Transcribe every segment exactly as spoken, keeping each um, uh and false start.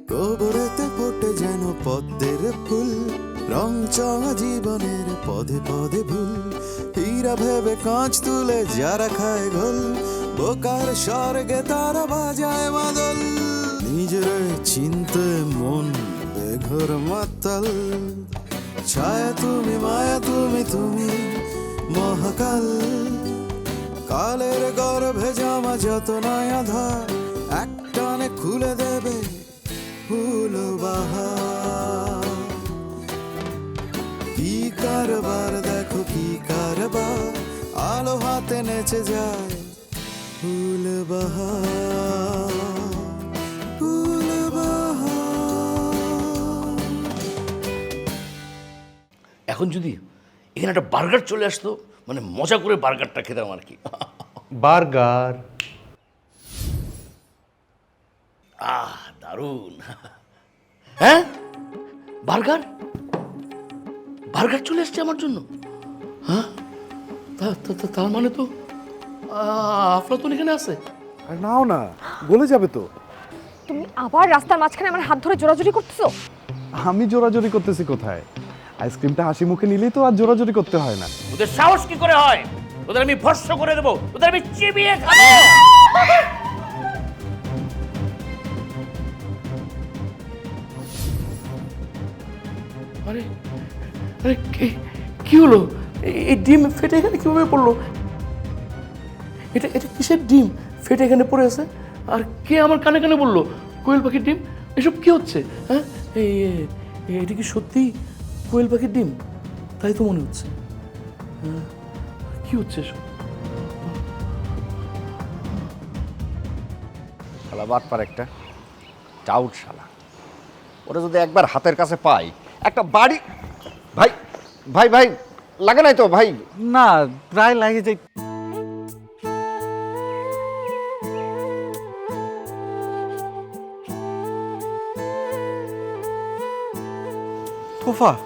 গোবরেতে ফোটে যেন পদ্মের ফুল, রং চঙা জীবনের পদে পদে ভুল। হীরা ভেবে কাঁচ তুলে যারা খায় ঘোল, বোকার স্বর্গে তারা বাজায় মাদল। নিজের চিনতে মন বেঘর মাতাল, ছায়া তুমি মায়া তুমি তুমি মহাকাল। কালের গর্ভে জামা যত নয়া ধার, একটানে খুলে দেবে ফুল বাহার। কি কারবার দেখো কি কারবার, আলো হাতে নেচে যায় ফুল বাহার, ফুল বাহার। এখন যদি এখানে একটা বার্গার চলে আসতো, মানে মজা করে বার্গারটা খেতাম আর কি। বার্গার? আহ দারুণ। হ্যাঁ, বার্গার বার্গার চলে আসছে আমার জন্য। হ্যাঁ, তা- তা- তা- তার মানে তো আহ, আফলাতুন এখানে আছে। আর নাও না, গলে যাবে তো। তুমি আবার রাস্তার মাঝখানে আমার হাত ধরে জোরাজুরি করতেছো। আমি জোরাজোরি করতেছি কোথায়? আইসক্রিমটা হাসি মুখে নিলেই তো আর জোরাজোরি করতে হয় না। ওদের সাহস কি করে হয়? ওদের আমি ভস্ম করে দেবো, ওদের আমি চিবিয়ে খাবো। আরে আরে কি- কি হলো? এই- এই ডিম ফেটে এখানে কিভাবে পড়লো? এটা এটা কিসের ডিম ফেটে এখানে পড়ে আছে? আর কে আমার কানে কানে বললো কোয়েল পাখির ডিম? এসব কি হচ্ছে? হ্যাঁ, এই এ- এটা কি সত্যি কোয়েল পাখির ডিম? তাই তো মনে হচ্ছে। হ্যাঁ, কি হচ্ছে এসব? শালা বাটপার একটা টাউট শালা। ওরা যদি একবার হাতের কাছে পাই, একটা বাড়ি। ভাই ভাই ভাই লাগে নাই তো ভাই? না, প্রায় লাগে যাই। তোফা?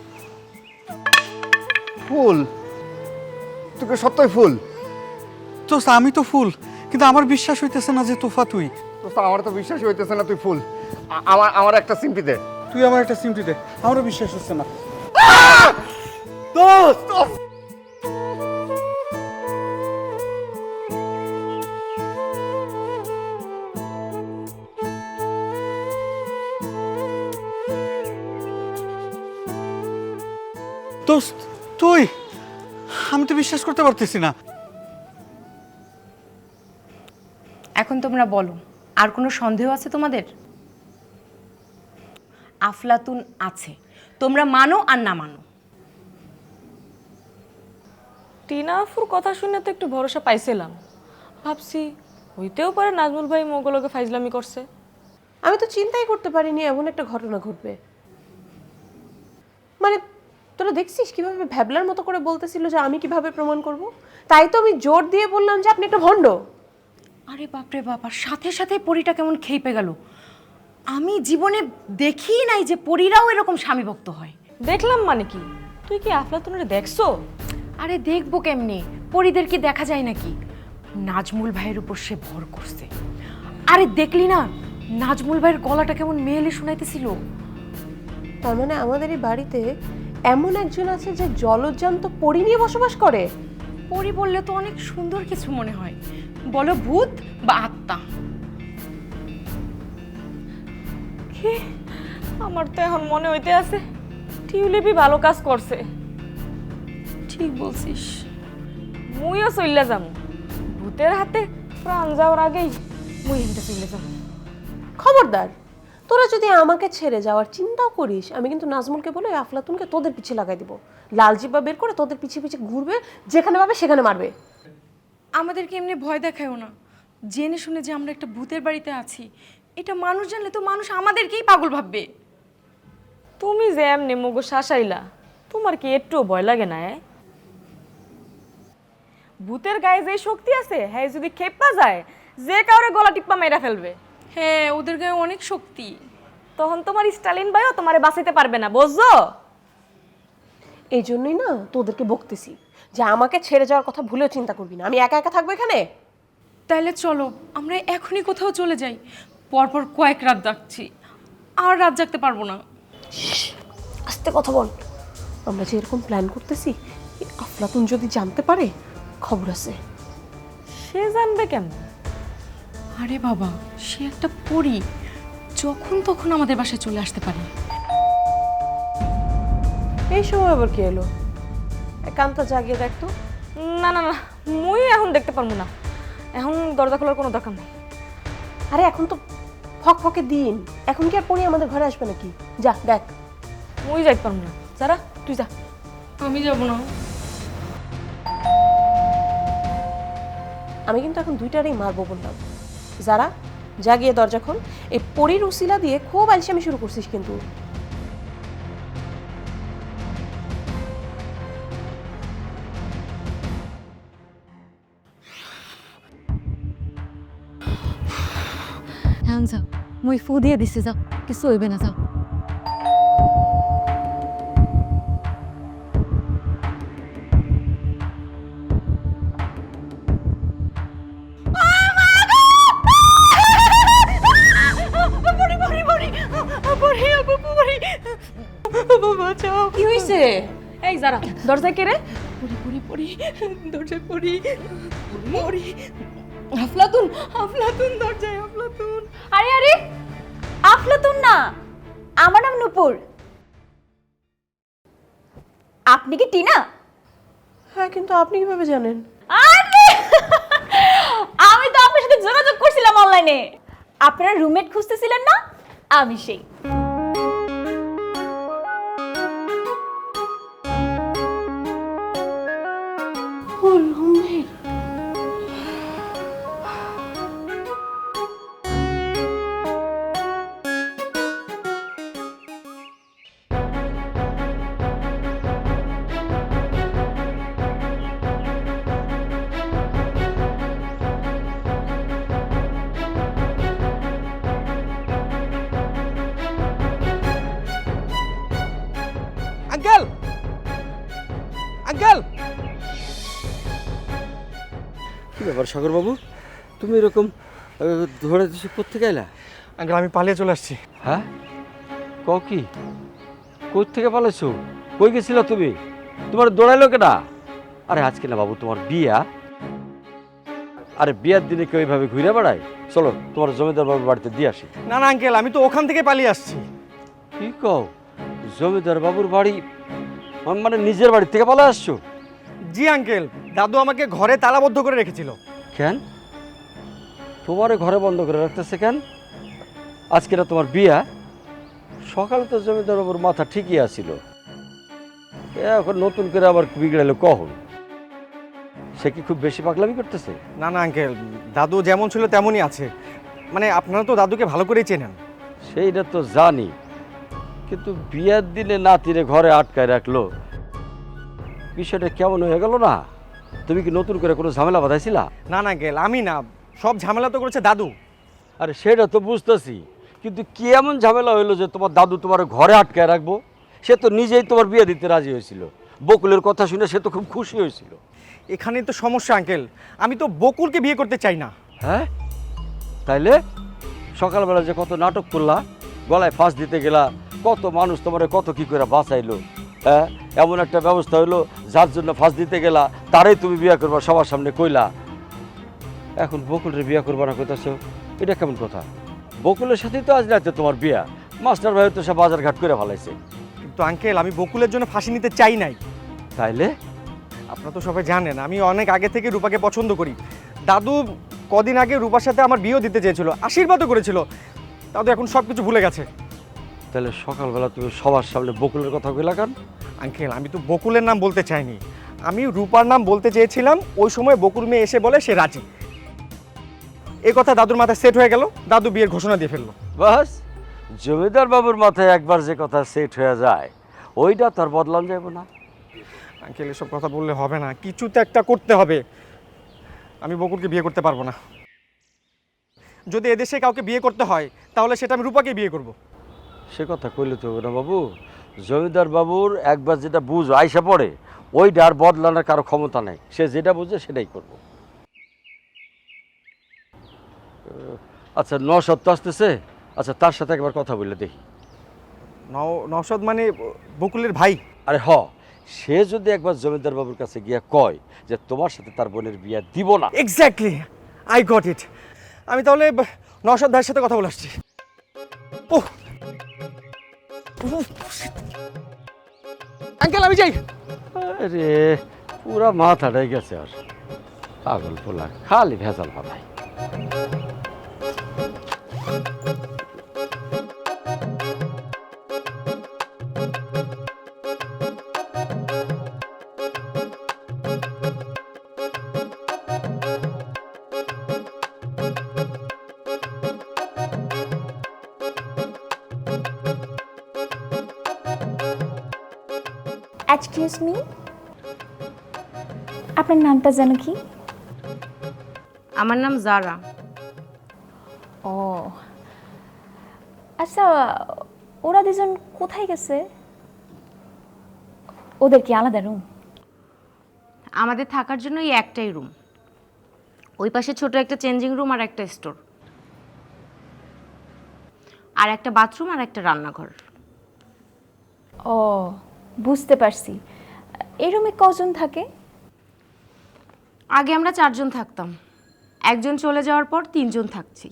ফুল? তোকে সত্যই ফুল? তো আমি তো ফুল, কিন্তু আমার বিশ্বাস হইতেছে না যে তোফা তুই। তো আমার তো বিশ্বাসই হইতেছে না তুই ফুল। আ- আমার আমার একটা সিম্পি দে। তুই আমার একটা সিমটি দে, আমারও বিশ্বাস হচ্ছে না। দোস্ত দোস্ত তুই? আমি তো বিশ্বাস করতে পারতেছি না। এখন তোমরা বলো, আর কোনো সন্দেহ আছে তোমাদের? আফলাতুন আছে, তোমরা মানো আর না মানো। টিনা আফুর কথা শুনে তো একটু ভরসা পাইছিলাম, ভাবছি হইতেও পারে নাজমুল ভাই মোগলকে ফাইজলামি করছে। আমি তো চিন্তাই করতে পারিনি এমন একটা ঘটনা ঘটবে। মানে তোরা দেখছিস কিভাবে ভ্যাবলার মতো করে বলতেছিল যে আমি কিভাবে প্রমাণ করব, তাই তো আমি জোর দিয়ে বললাম যে আপনি একটা ভণ্ড। আরে বাপরে বাবা, সাথে সাথে পরীটা কেমন খেপে গেল। আমি জীবনে দেখিই নাই যে পরীরাও এরকম স্বামীভক্ত হয়। দেখলাম মানে কি? তুই কি আফলাতুনরে দেখছো? আরে দেখবো কেমনে, পরীদের কি দেখা যায় নাকি? নাজমুল ভাইয়ের উপর সে ভর করছে। আরে দেখলি না নাজমুল ভাইয়ের গলাটা কেমন মেয়েলি শোনাইতেছিল। তার মানে আমাদের এই বাড়িতে এমন একজন আছে যে জলজ্জান্ত পরি নিয়ে বসবাস করে। পরী বললে তো অনেক সুন্দর কিছু মনে হয়, বলো ভূত বা আত্মা। কি? আমার তো এখন মনে হইতে আছে টিউলিপি ভালো কাজ করছে। ঠিক বলছিস, মুইও চইলা যাম। ভূতের হাতে প্রাণ যাওয়ার আগেই মুই হেনটা চইলা যাম। খবরদার, তোরা যদি আমাকে ছেড়ে যাওয়ার চিন্তাও করিস, আমি কিন্তু নাজমুলকে বলে ওই আফলাতুনকে তোদের পিছে লাগাই দিব। লাল জিব্বা বের করে তোদের পিছে পিছে ঘুরবে, যেখানে পাবে সেখানে মারবে। আমাদেরকে এমনি ভয় দেখায়ও না, জেনে শুনে যে আমরা একটা ভূতের বাড়িতে আছি এটা মানুষ জানলে তো মানুষ আমাদেরকেই পাগল ভাববে। তুমি যে এমনি মগো শাসাইলা, তোমার কি একটুও ভয় লাগে না? এ? ভূতের গায়ে যে শক্তি আছে, হ্যাঁ যদি খেপা যায় যে কাউরে গলা টিপ্পা মেরা ফেলবে। হ্যাঁ, ওদের গায়ে অনেক শক্তি। তখন তোমার স্টালিন ভাইও তোমারে বাঁচাইতে পারবে না, বুঝছো? এই জন্যই না তোদেরকে বকতেছি যে আমাকে ছেড়ে যাওয়ার কথা ভুলেও চিন্তা করবি না। আমি একা একা থাকবো এখানে। তাহলে চলো আমরা এখনই কোথাও চলে যাই, পরপর কয়েক রাত ডাকছি, আর রাত জাগতে পারবো না। আস্তে কথা বল। আমরা যে এরকম প্ল্যান করতেছি, এই আফলাতুন যদি জানতে পারে, খবর আছে। সে জানবে কেমন? আরে বাবা, সে একটা পরী, যখন তখন আমাদের বাসায় চলে আসতে পারে। এই সময় আবার কি এলো? একান্ত জাগিয়ে দেখতো। না না না, মুই এখন দেখতে পারবো না। এখন দরজা খোলার কোনো দরকার নেই। আরে এখন তো ফক ফকে দিন, এখন কি আর পরি আমাদের ঘরে আসবে নাকি? যা দেখ। মুই যাইতে পারবো না। যারা তুই যা। আমি যাব না। আমি কিন্তু এখন দুইটারই মারবো বললাম। যারা জাগিয়ে দরজা খোল। এই পরির উসিলা দিয়ে খুব আলসেমি শুরু করছিস কিন্তু। হ্যাঁ যাও, মই ফু দিয়ে দিছি, যাও, কিছু হইবে না, যাও। কি হয়েছে? এই যারা দরজায় কে রে? পরি পরি দরজায় পরি পরি আফলাতুন আফলাতুন দরজায় আফলাতুন। আরে আরে, আফলাতুন না, আমার নাম নূপুর। আপনি কি টিনা? হ্যাঁ, কিন্তু আপনি কিভাবে জানেন? আরে আমি তো আপনার সাথে যোগাযোগ করছিলাম অনলাইনে। আপনারা রুমমেট খুঁজতেছিলেন না? আমি সেই। আঙ্কেল, আঙ্কেল, কি ব্যাপার সাগর বাবু, তুমি এরকম আহ, ধরে দিছো কোত্থেকে এলা? আঙ্কেল আমি পালিয়ে চলে আসছি। হ্যাঁ, ক কি, কই থেকে পালাইছো? কই গেছিল তুমি? তোমার দৌড়াইলো কেনা? আরে আজকে না বাবু তোমার বিয়া। আরে বিয়ার দিনে কেউ এইভাবে ঘুরে বেড়ায়? চলো তোমার জমিদার বাবুর বাড়িতে দিয়ে আসি। না না আঙ্কেল, আমি তো ওখান থেকে পালিয়ে আসছি। কি কও, জমিদার বাবুর বাড়ি মানে নিজের বাড়ি থেকে পালা আসছো? জি আঙ্কেল, দাদু আমাকে ঘরে তালাবদ্ধ করে রেখেছিল। কেন তোমারে ঘরে বন্ধ করে রাখতেছে কেন? আজকে না তোমার বিয়া? সকালে তো জমিদার বাবুর মাথা ঠিকই আছিল, এখন নতুন করে আবার বিগড়ালো কখন? সে কি খুব বেশি পাগলামি করতেছে? না না আঙ্কেল, দাদু যেমন ছিল তেমনই আছে। মানে আপনারা তো দাদুকে ভালো করেই চেনেন। সেইটা তো জানি, কিন্তু বিয়ার দিনে নাতিরে ঘরে আটকায় রাখলো, বিষয়টা কেমন হয়ে গেল না? তুমি কি নতুন করে কোনো ঝামেলা বাঁধাইছিলা? না না আঙ্কেল, আমি না, সব ঝামেলা তো করেছে দাদু। আরে সেটা তো বুঝতেছি, কিন্তু কি এমন ঝামেলা হইলো যে তোমার দাদু তোমার ঘরে আটকায় রাখবো? সে তো নিজেই তোমার বিয়ে দিতে রাজি হয়েছিল, বকুলের কথা শুনে সে তো খুব খুশি হয়েছিল। এখানে তো সমস্যা আঙ্কেল, আমি তো বকুলকে বিয়ে করতে চাই না। হ্যাঁ, তাইলে সকালবেলা যে কত নাটক করলা, গলায় ফাঁস দিতে গেলা, কত মানুষ তোমার কত কি করে বাঁচাইলো, হ্যাঁ, এমন একটা ব্যবস্থা হইলো যার জন্য ফাঁস দিতে গেলা তারাই তুমি বিয়ে করবা সবার সামনে কইলা। এখন বকুলের বিয়ে করবা না কইতাছো, এটা কেমন কথা? বকুলের সাথেই তো আজ রাতে তোমার বিয়া, মাস্টার ভাই তো সব বাজার ঘাট করে ফেলাইছে। কিন্তু আঙ্কেল, আমি বকুলের জন্য ফাঁসি নিতে চাই নাই। তাইলে আপনারা তো সবাই জানেন আমি অনেক আগে থেকে রূপাকে পছন্দ করি। দাদু কদিন আগে রূপার সাথে আমার বিয়েও দিতে চেয়েছিল, আশীর্বাদও করেছিল। দাদু এখন সব কিছু ভুলে গেছে। তাহলে সকালবেলা তুমি সবার সামনে বকুলের কথা কইলা কেন? আঙ্কেল, আমি তো বকুলের নাম বলতে চাইনি, আমি রূপার নাম বলতে চেয়েছিলাম। ওই সময় বকুল মেয়ে এসে বলে সে রাজি। এই কথা দাদুর মাথায় সেট হয়ে গেল, দাদু বিয়ের ঘোষণা দিয়ে ফেললো। বাস, জমিদার বাবুর মাথায় একবার যে কথা সেট হয়ে যায় ওইটা তার বদলান যাব না। আঙ্কেল, এসব কথা বললে হবে না, কিছু তো একটা করতে হবে। আমি বকুলকে বিয়ে করতে পারবো না। যদি এদেশে কাউকে বিয়ে করতে হয় তাহলে সেটা আমি রূপাকে বিয়ে করব। সে কথা কইলে তো না বাবু, জমিদার বাবুর একবার যেটা বুঝ আইসা পড়ে ওইটা আর বদলানোর কারো ক্ষমতা নেই, সে যেটা বুঝে সেটাই করব। আচ্ছা, ন সত্য আসতেছে, আচ্ছা তার সাথে একবার কথা বললে দেখি। নও- নওশাদ মানে বকুলের ভাই? আরে হ, সে যদি একবার জমিদার বাবুর কাছে গিয়া কয় যে তোমার সাথে তার বোনের বিয়া দিব না, এক্স্যাক্টলি, আই গট ইট। আমি তাহলে ব- নওশাদ ভাইয়ের সাথে কথা বলে আসছি। ওহ আঙ্কেল, আমি যাই। আরে পুরা মাথাটাই গেছে আর, পাগল পোলা খালি ভেজাল ভাবাই। এক্সকিউজ মি, আপনার নামটা যেন কি? আমার নাম জারা। ও আচ্ছা, ওরা দুজন কোথায় গেছে? ওদের কি আলাদা রুম? আমাদের থাকার জন্য এই একটাই রুম, ওই পাশে ছোট একটা চেঞ্জিং রুম আর একটা স্টোর, আর একটা বাথরুম আর একটা রান্নাঘর। ও বুঝতে পারছি। এই রুমে কজন থাকে? আগে আমরা চারজন থাকতাম, একজন চলে যাওয়ার পর তিনজন থাকছি।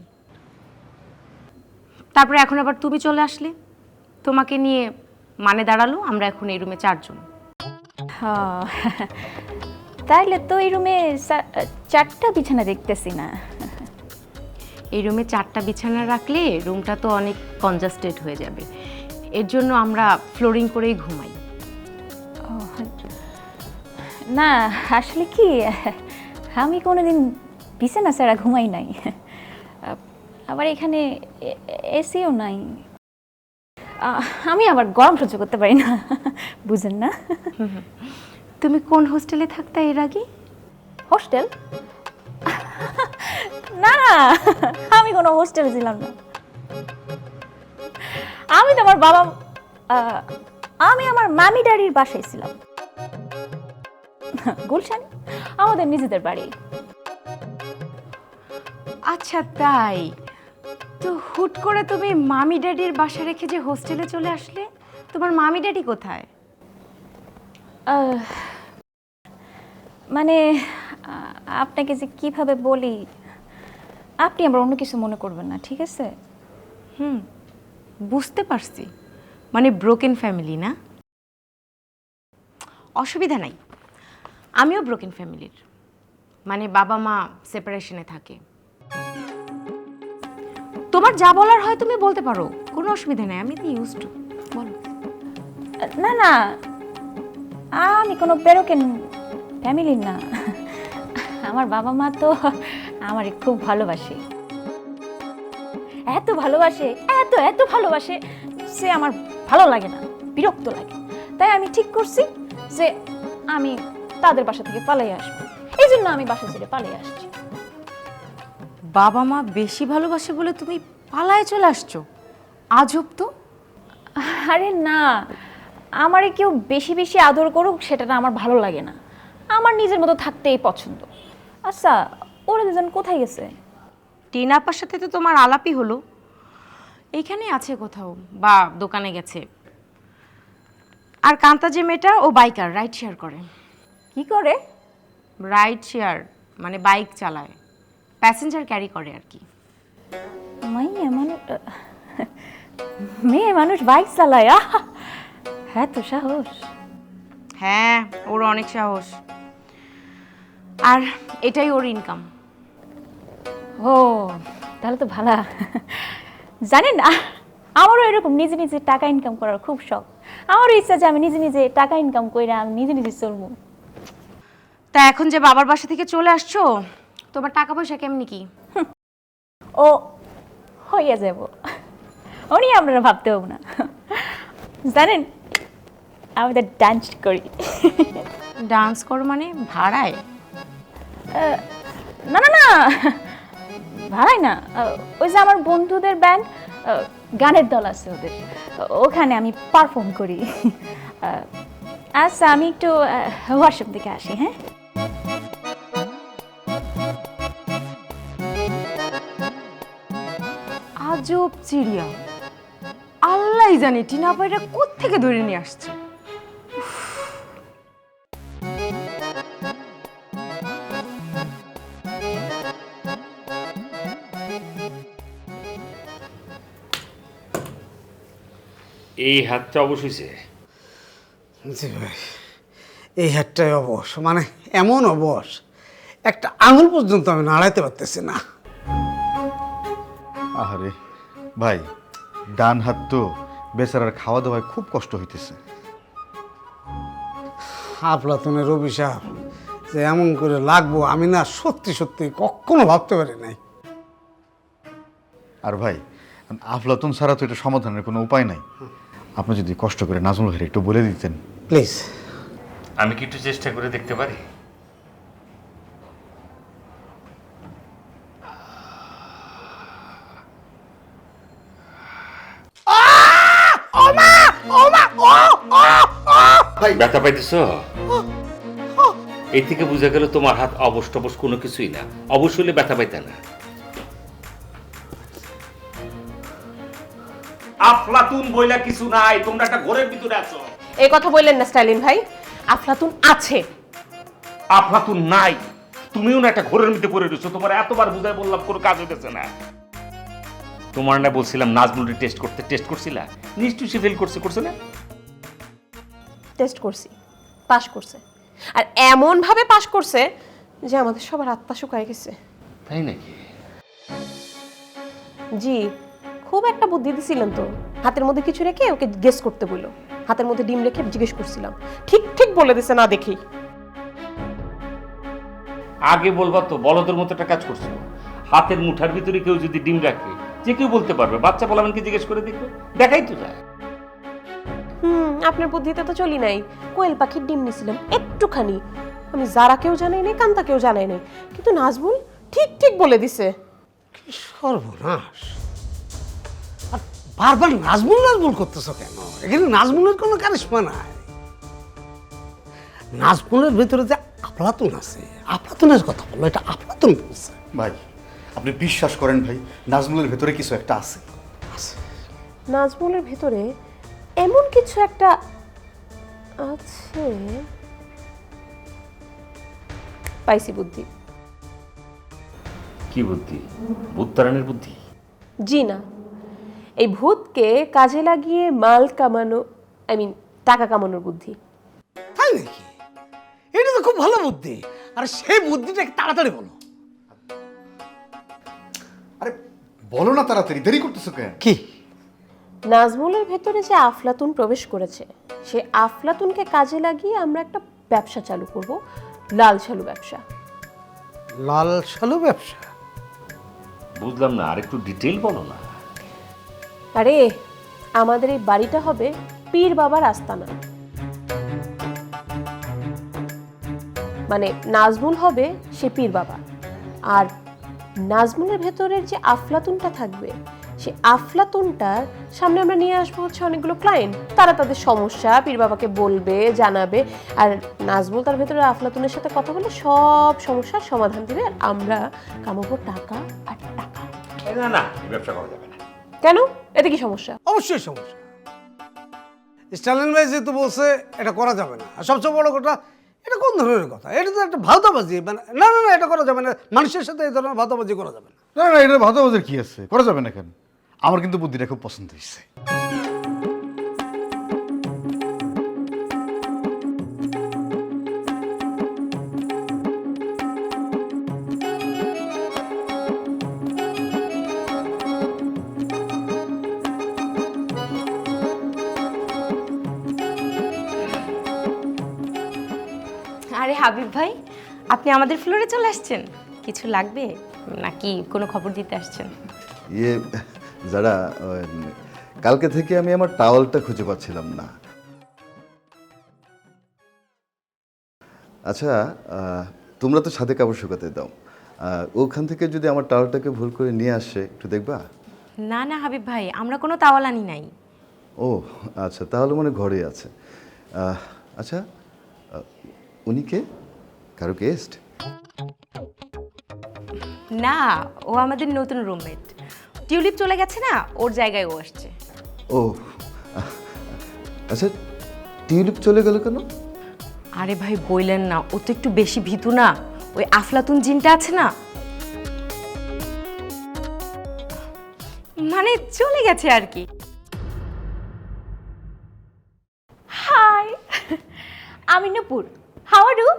তারপরে এখন আবার তুমি চলে আসলে, তোমাকে নিয়ে মানে দাঁড়ালো আমরা এখন এই রুমে চারজন। হ্যাঁ, তাইলে তো এই রুমে চা- চারটা বিছানা দেখতেছি না। এই রুমে চারটা বিছানা রাখলে রুমটা তো অনেক কনজাস্টেড হয়ে যাবে, এর জন্য আমরা ফ্লোরিং করেই ঘুমাই। ও, না আসলে কি, আমি কোনোদিন বিছানা ছাড়া ঘুমাই নাই, আবার এখানে এসিও নাই। আহ, আমি আবার গরম সহ্য করতে পারি না, বুঝেন না? তুমি কোন হোস্টেলে থাকতে এর আগে? হোস্টেল? না না, আমি কোনো হোস্টেলে ছিলাম না। আমি তো আমার বাবা আহ, আমি আমার মামি ড্যাডির বাসায় ছিলাম, গুলশান, আমাদের নিজেদের বাড়ি। আচ্ছা তাই, তো হুট করে তুমি মামি ড্যাডির বাসা রেখে যে হোস্টেলে চলে আসলে, তোমার মামি ড্যাডি কোথায়? আহ, মানে আহ, আপনাকে যে কিভাবে বলি, আপনি আবার অন্য কিছু মনে করবেন না, ঠিক আছে? হুম, বুঝতে পারছি, মানে ব্রোকেন ফ্যামিলি না? অসুবিধা নাই, আমিও ব্রোকেন ফ্যামিলির, মানে বাবা মা সেপারেশনে থাকে। তোমার যা বলার হয় তুমি বলতে পারো, কোনো অসুবিধা নেই, আমি তো ইউজ টু। বলো। না না, আমি কোনো বেরোকেন ফ্যামিলির না। আমার বাবা মা তো আমারে খুব ভালোবাসে, এত ভালোবাসে, এত এত ভালোবাসে, সে আমার ভালো লাগে না, বিরক্ত লাগে। তাই আমি ঠিক করছি যে আমি তাদের বাসা থেকে পালিয়ে আসবো, এই জন্য আমি বাসা ছেড়ে পালিয়ে আসছি। বাবা মা বেশি ভালোবাসে বলে তুমি পালায় চলে আসছো? আজব তো। আরে না, আমারে কেউ বেশি বেশি আদর করুক সেটা না আমার ভালো লাগে না, আমার নিজের মতো থাকতেই পছন্দ। আচ্ছা, ওরা দুজন কোথায় গেছে? টিনাপার সাথে তো তোমার আলাপই হলো, এইখানে আছে কোথাও বা দোকানে গেছে। আর কান্তা যে মেয়েটা, ও বাইকার, রাইড শেয়ার করে। কি করে? রাইড শেয়ার মানে বাইক চালায়, প্যাসেঞ্জার ক্যারি করে আর কি। মেয়ে মানুষ, মেয়ে মানুষ বাইক চালায়? আহা! হ্যাঁ তো সাহস। হ্যাঁ, ওর অনেক সাহস, আর এটাই ওর ইনকাম। ও তাহলে তো ভালো। জানেন না, আমারও এরকম নিজে নিজে টাকা ইনকাম করার খুব শখ। আমারও ইচ্ছা যে আমি নিজে নিজে টাকা ইনকাম করে আমি নিজে নিজে চলবো। তা এখন যে বাবার বাসা থেকে চলে আসছো, তোমার টাকা পয়সা কেমনি কি? ও হইয়া যাব, উনি আপনারা ভাবতে হবো না। জানেন, আমি তো ডান্স করি। ডান্স করো মানে ভাড়ায়? আহ, না না না, ভাড়াই না, আহ, ওই যে আমার বন্ধুদের ব্যান্ড, গানের দল আছে ওদের, ওখানে আমি পারফর্ম করি। আহ, আচ্ছা আমি একটু ওয়াশরুম থেকে আসি। হ্যাঁ, আজব চিড়িয়া, আল্লাহ আল্লাহই জানি টিনা আপাইটা কোত্থেকে ধরে নিয়ে আসছে। এই হাতটা অবশ্যই জি ভাই, এই হাতটাই অবশ, মানে এমন অবশ একটা আঙুল পর্যন্ত আমি নাড়াইতে পারতেছি না। আহারে ভাই, ডান হাত তো বেচারার খাওয়া দাওয়ায় খুব কষ্ট হইতেছে। আফলাতুনের অভিশাপ যে এমন করে লাগবো আমি না সত্যি সত্যি কখনো ভাবতে পারি নাই। আর ভাই, আফলাতুন ছাড়া তো এটা সমাধানের কোনো উপায় নাই। আপনি যদি কষ্ট করে নাজমুল ভাইয়ের একটু বলে দিতেন প্লিজ। আমি কি একটু চেষ্টা করে দেখতে পারি? ব্যথা পাইতেছ? এই থেকে বোঝা গেল তোমার হাত অবশ টবশ কোনো কিছুই না। অবশ্যই ব্যথা পাইতে না। আফলাতুন বইলা কিছু নাই, তোমরা একটা ঘরের ভিতরে আছো। এই কথা বললেন না স্টাইলিন ভাই, আফলাতুন আছে। আফলাতুন নাই, তুমিও না একটা ঘরের মধ্যে পড়ে রয়েছো। তোমার এতবার বুঝাই বললাম, কোনো কাজ হইতেছে না। তোমার না বলছিলাম নাজমুলের টেস্ট করতে, টেস্ট করছিলা? নিশ্চয়ই সে ফেল করছে, করছে না? টেস্ট করছি, পাশ করছে, আর এমন ভাবে পাশ করছে যে আমাদের সবার আত্মা শুকায় গেছে। তাই নাকি? জি, খুব একটা বুদ্ধি দিছিলেন তো। হাতের মধ্যে কিছু রেখে ওকে গেস করতে বললো। হাতের মধ্যে ডিম রেখে জিজ্ঞেস করছিলাম, ঠিক ঠিক বলে দিছে না দেখি। আগে বলবা তো, বলদের মতো একটা কাজ করছো। হাতের মুঠার ভিতরে কেউ যদি ডিম রাখে, যে কেউ বলতে পারবে। বাচ্চা বলামানকে জিজ্ঞেস করে দেখবে, দেখাই তো যায়। হুম, আপনার বুদ্ধিতে তো চলি নাই। কোয়েল পাখির ডিম নিছিলাম একটুখানি, আমি যারা কেউ জানাই নাই, কান্তা কেউ জানাই নাই, কিন্তু নাজমুল ঠিক ঠিক বলে দিছে। কি সর্বনাশ! আর বারবার নাজমুল নাজমুল করতেছ কেন? এখানে নাজমুলের কোনো কারিশমা নাই। নাজমুলের ভিতরে যে আফলাতুন আছে, আফলাতুনের কথা বললো, এটা আফলাতুন বলছে। ভাই, আপনি বিশ্বাস করেন ভাই, নাজমুলের ভেতরে কিছু একটা আছে। নাজমুলের ভেতরে এমন কিছু একটা আছে। পাইছি বুদ্ধি। কি বুদ্ধি? ভূত তাড়ানোর বুদ্ধি? জি না, এই ভূতকে কাজে লাগিয়ে মাল কামানো, আই মিন টাকা কামানোর বুদ্ধি। তাই নাকি? এটা তো খুব ভালো বুদ্ধি। আর সেই বুদ্ধিটাকে তাড়াতাড়ি বলো। আরে বলো না তাড়াতাড়ি, দেরি করতেছো কেন? কি? নাজমুলের ভেতরে যে আফলাতুন প্রবেশ করেছে, সে আফলাতুনকে কাজে লাগিয়ে আমরা একটা ব্যবসা চালু করব, লাল শালু ব্যবসা। লাল শালু ব্যবসা? বুঝলাম না, আর একটু ডিটেইল বলো না। আরে আমাদের এই বাড়িটা হবে পীর বাবার আস্তানা। মানে নাজমুল হবে সে পীর বাবা, আর নাজমুলের ভেতরের যে আফলাতুনটা থাকবে, সে আফলাতুনটার সামনে আমরা নিয়ে আসবো হচ্ছে অনেকগুলো ক্লায়েন্ট। তারা তাদের সমস্যা পীর বাবাকে বলবে, জানাবে, আর নাজমুল তার ভেতরে আফলাতুনের সাথে কথা বলে সব সমস্যার সমাধান দিবে, আর আমরা কামাবো টাকা আর টাকা। না না, এই ব্যবসা করা যাবে না। কেন? এতে কি সমস্যা? অবশ্যই সমস্যা। স্টালিন ভাই যেহেতু বলছে এটা করা যাবে না, আর সবচেয়ে বড় কথা, এটা কোন ধরনের কথা? এটা তো একটা ভাওতাবাজি। মানে না না না, এটা করা যাবে না। মানুষের সাথে এই ধরনের ভাওতাবাজি করা যাবে না। না না, এটা ভাতাবাজের কি আছে, করা যাবে না কেন? আমার কিন্তু বুদ্ধিটা খুব পছন্দ হয়েছে। আরে হাবিব ভাই, আপনি আমাদের ফ্লোরে চলে আসছেন। কিছু লাগবে নাকি কোনো খবর দিতে আসছেন? ইয়ে যারা কালকে থেকে আমি আমার টাওয়ালটা খুঁজে পাচ্ছিলাম না। আচ্ছা, তোমরা তো ছাদে কাপড় শুকাতে দাও, ওখান থেকে যদি আমার টাওয়ালটাকে ভুল করে নিয়ে আসে একটু দেখবা? না না হাবিব ভাই, আমরা কোনো তাওয়াল আনি নাই। ও আচ্ছা, তাহলে মনে ঘরে আছে। আচ্ছা, উনি কে? কারো গেস্ট? না, ও আমাদের নতুন রুমমেট। টিউলিপ চলে গেছে না, ওর জায়গায় ও আসছে। ও আচ্ছা টিউলিপ চলে গেল কেন? আরে ভাই বললেন না, ও তো একটু বেশি ভীতু না, ওই আফলাতুন জিনটা আছে না, মানে চলে গেছে আর কি। হাই, আমি Nupur. How are you?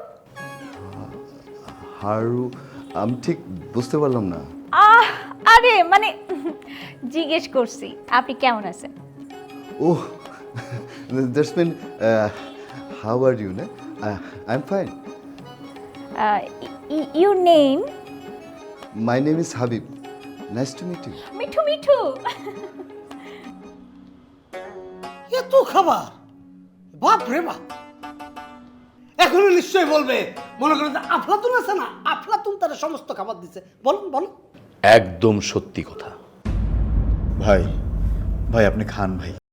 Haru, আমি ঠিক বুঝতে পারলাম না। আহ আরে মানে জিজ্ঞেস করছি আপনি কেমন আছেন। ও that's mean how are you? না I am fine. Your name? My name is Habib. Nice to meet you. Mithu Mithu. এত খাবার, বাপ রে বাপ। এখনো নিশ্চয়ই বলবে, মনে করেন যে আফলাতুন আছে না, আফলাতুন তারা সমস্ত খাবার দিচ্ছে। বলুন বলুন। একদম সত্যি কথা। ভাই ভাই আপনি খান ভাই।